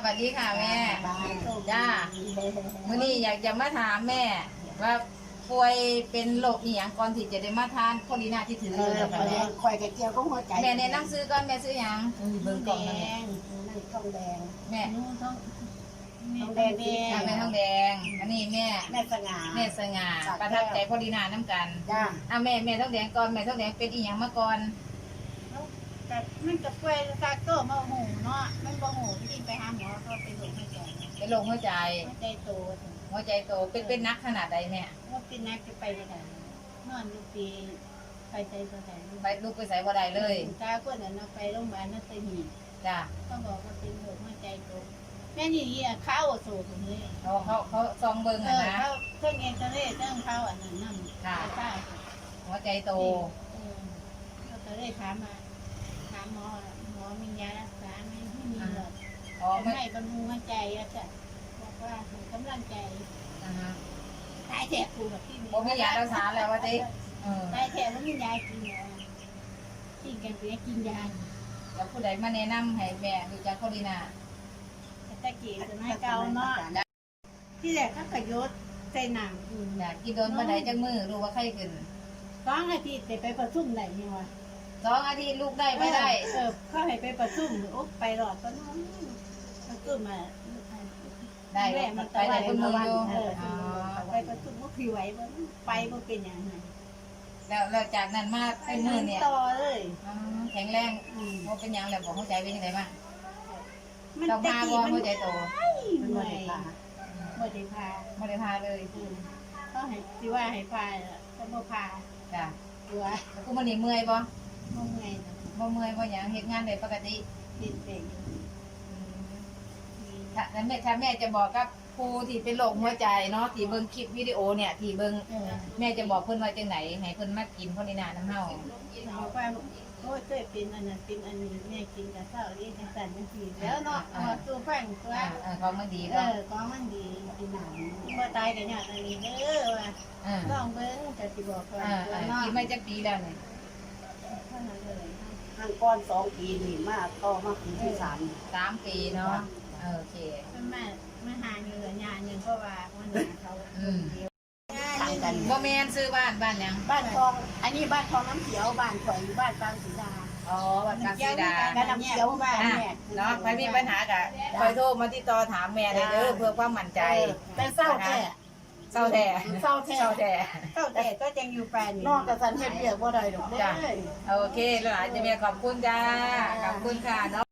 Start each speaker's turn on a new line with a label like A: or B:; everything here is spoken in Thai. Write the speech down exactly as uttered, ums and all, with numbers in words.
A: สวัสดีค่ะแม่จ้าวันนี้อยากจะมาถามแม่ว่าป่วยเป็นโรคอีหยังก่อนที่จะได้มาทานโคลีนาที่ถืออยู่นะคะแม่
B: ข่อยกระเจียวก็หัวใจ
A: แม่แนะนำซื้อก่อนแม่ซื้อหยังเบิ่งกล่องนั่น
B: นั่นทองแดง
A: แม่
B: ทองแดงดี
A: ทางแม่ทองแดงอันนี้แม่
B: แม่สง่า
A: แม่สง่าประทับใจโคลีนาน้ำกัน
B: จ้า
A: อ่ะแม่แม่ทองแดงก่อนแม่ทองแดงเป็นอีหยังมาก่อน
C: แต่มันกับป่วยซากโต้มาหูเนาะมันบ่หูที่ไปหาหมอก็ไปดูให้ใจ
A: เป็นโรคหัวใจ
C: ให้ใจโต
A: หัวใจโตเป็นเป็นนักขนาดใดแม่
C: ว่าเป็นนักจะไปไม่ได้นอนอยู่ปีไปใจตัวไหน
A: ไปลูกไปใส่บ่ได้เลย
C: ตาคนนั้นเอาไปโรงพยาบาลนั่นไปหี
A: จ้า
C: ต้องบอกว่าเป็นโรคหัวใจโตแม่นี่อ่ะเข้าโซ่ตรงนี้
A: เขาเขาเขาซองเบิ่ง
C: เอ
A: อะ
C: อ
A: นะ
C: เข้าเครื่องเอ็นเตอร์เน็ตเครื่องเข้าอันนั้นนั่นใช่
A: หัวใจโต
C: เออเราจะได้ถามมาถามหมอหมอมียารักษาไหมไม่มีหรอก
A: อ๋อไม่
C: ไม่บำรุงหัวใจแล้วจ้ะบอกว่าให้กำลังใจ
A: อ่าฮะ
C: ตายแถบกูแบบที่
A: บ่มียารักษาแล้วว่าติเออ
C: ตายแถบแล้วมียากินเหรอกินกันไปกินยา
A: แล้วผู้ใดมาแนะนำให้แม่รู้จักโคลีนา
C: ตะกี้จะไม่เก่าเนาะที่แรกเขาขยศใส่หนังอืม
A: อยากกินโดนบ่ได้จักมือรู้ว่าไข้ขึ้น
C: สองอาทิตย์ไปประชุมไหนเนี่ยวะ
A: สองอาทิตย์ลูกได้ไม่ได้
C: เออเขาให้ไปประชุมโอ้ไปหลอดก็น้องประชุมมา
A: ได้
C: แม่มัน
A: ไปได้คนมืออยู่
C: เออ
A: อ๋อ
C: ไปประชุมว่าผิวไหวบ่ไปบ่เป็นอย่างไร
A: แล้วแล้วจากนั้นมา
C: ไป
A: เป็น
C: เดิ
A: มือน เนี่ย
C: ต่อเลย
A: อ๋อแข็งแรง
C: อืม
A: บ่เป็นหยังแล้วบ่เข้าใจเป็นจังไดบ้าง
C: มัน
A: ต้อง
C: ตะ
A: พา
C: กี้
A: บ่
C: มัน
A: หัวใจโต
B: มัน
C: เมื่
B: บ่
C: อย
B: ได้ปลา
C: บ่ได้พา
A: บ่ได้พาเลย
C: อืมเขาให้สิว่าให้พาล่ะเขาบ่พา
A: จ้ะ
C: ตัว
A: แล้วกูมื้อนี้เมื่อยบ่
C: บ่เมื่อยนะ
A: บ่เมื่อยบ่หยังเฮ็ดงานได้ปกติ
C: ติดเด็กอยู่
A: อืมถ้าถ้าแม่ถ้าแม่จะบอกกับครูที่เป็นโรคหัวใจเนาะที่เบิ่งคลิปวิดีโอเนี่ยที่เบิ่ง
C: เออ
A: แม่จะบอกเพิ่นว่าจังไหนให้เพิ่นมากินโคลีนาน้ำเฮา
C: บอกว่าโอ้ยเคยเป็นอันนั้นเป็นอันนี้แม่กินกับข้าวเรียกจังซั่นจังซี่แล้วเนาะเอาตัวฟังตัว
A: อ่าเออของมันดี
C: เอ
A: ก็
C: อของมันดีกินหนังบ่ตายกันยากอันนี้เด้อว่า
A: อ่า
C: ลองเบิ่งจะสิบอกว่า
A: อ่า
C: ตัว
A: อ่า
C: เนาะ
A: กินไม่จักปีแล้วเนี่ย
C: เท่านั้นเลย
B: ห้างก้อนสองปีนี่มากต่อมาปีที่สาม
A: สามปีเนาะเออโอเค
C: มันมามาหาเงินญาหนึงเพราะว่าวันนี้เขา
A: อืม
B: ต่างกัน
A: บ่แม่นซื้อบ้านบ้านหยัง
B: บ้านทอง อันนี้บ้านทองน้ำเขียวบ้านข่อยอยู่บ้านกลางสีดา
A: อ๋อบ้านกลางสีดา
B: บ้านน้ำเขียวบ้าน
A: อ่ะ
B: แม่
A: เนาะใครมีปัญหากะคอยโทรมาที่ต่อถามแม่ได้เด้อเพื่อความมั่นใจ
B: แต่เศร้าแท้
A: เศร้าแท้
B: เศร้าแท้
A: เศร้าแท้
C: เท่าแต่ก็ยังอยู่แฟน
B: นอกจากสันเฮ็ดเบียกบ่ได้ดอกเด้
A: จ้ะ
B: อ
A: โอเคแล้วอาจจะแม่ขอบคุณจ้าขอบคุณค่ะเนาะ